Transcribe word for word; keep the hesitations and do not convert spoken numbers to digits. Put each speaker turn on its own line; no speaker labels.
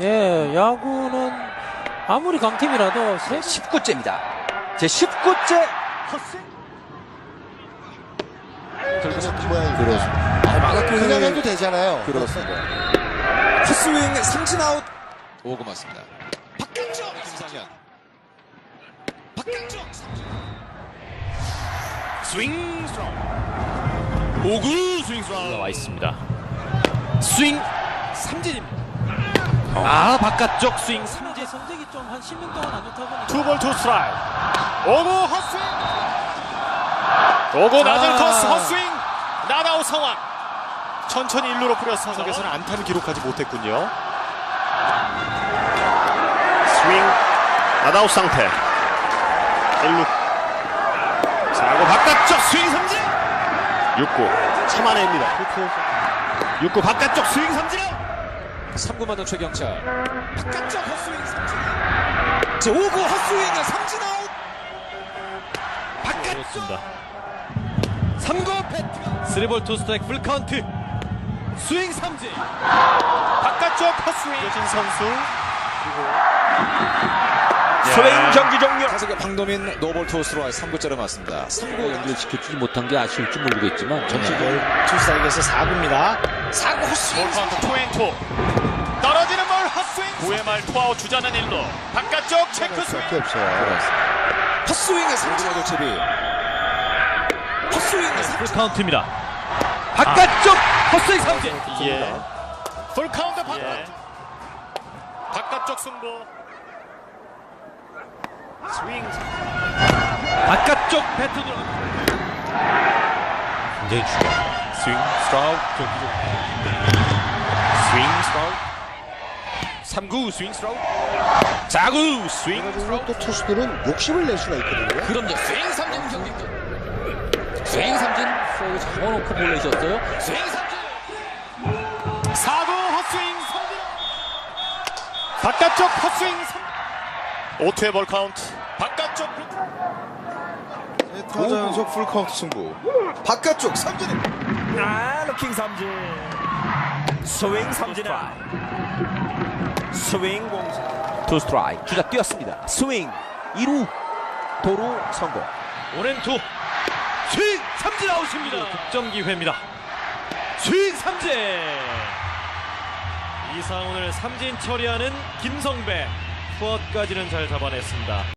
예, 야구는 아무리 강팀이라도 세...
십구 제입니다. 제 십구 제 헛스윙.
결국 삼진 모양이
그렇습니다. 아, 막았고
그냥 해도 되잖아요.
그렇습니다. 헛스윙 삼진 아웃.
오구 맞습니다. 박경정 김상현. 박경정 스윙 스트라이크. 오구 스윙 스트라이크
올라와 있습니다. 스윙 삼진입니다. 아, 바깥쪽 스윙 삼진.
이제 성적이 좀 한 십 년 동안 안 좋다 보니까
투볼 투 스트라이크. 오구 헛스윙. 오구 낮은
아.
코스 헛스윙. 나다우 상황. 천천히 일루로 뿌려서 타석에서는 안타를 기록하지 못했군요. 스윙 나다우 상태. 일루. 사구 바깥쪽 스윙 삼진. 육구 참아냅니다. 육구 바깥쪽 스윙 삼진.
삼구 맞은 최경철. 바깥쪽 헛스윙 삼진. 자, 오구 헛스윙 삼진 아웃. 바깥쪽. 삼구 배트.
쓰리볼 투 스트라이크 풀 카운트. 스윙 삼진. 바깥쪽 헛스윙. 여진 선수. 스윙 경기 종료.
타석의 박노민 노볼 투 스트라이크 삼 구째로 맞습니다. 삼구
연결시켜주지 못한 게 아쉬울지 모르겠지만
전체볼 투스트라이크에서 사 구입니다.
사구 헛스윙.
볼 카운트 투 앤 투. 떨어지는 볼 헛스윙. 구회 말 투아웃 주자는 일루. 바깥쪽 체크 스윙.
밖에 없어요.
헛스윙의 삼진 아웃 처리. 헛스윙의 삼진.
풀 카운트입니다. 바깥쪽 헛스윙 삼진. 예. 풀 카운트 바깥. 예. 바깥쪽 승부. 스윙. 바깥쪽 배트 들어. 굉장히 중요. 스윙 스트라우크 경기 스윙 스트라우크. 삼구 스윙 스트라우크. 사구 스윙
그리고
스트라우크.
또 투수들은 욕심을 낼 수가 있거든요.
그럼요. 스윙 삼진 경기. 스윙 삼진 스트라이크 잡아놓고 볼내셨어요.
스윙 삼진.
사구 헛스윙 삼진. 바깥쪽 헛스윙 삼진. 오 투의 볼 카운트. 바깥쪽
타자 연속 풀 카운트 승부.
바깥쪽 삼진.
아 루킹 삼진. 스윙 삼진. 스윙 공수.
투 스트라이크. 주자 뛰었습니다. 스윙 이 루 도루 성공.
오렌투 스윙 삼진 아웃입니다. 득점 기회입니다. 스윙 삼진. 이상훈을 삼진 처리하는 김성배. 투아웃까지는 잘 잡아냈습니다.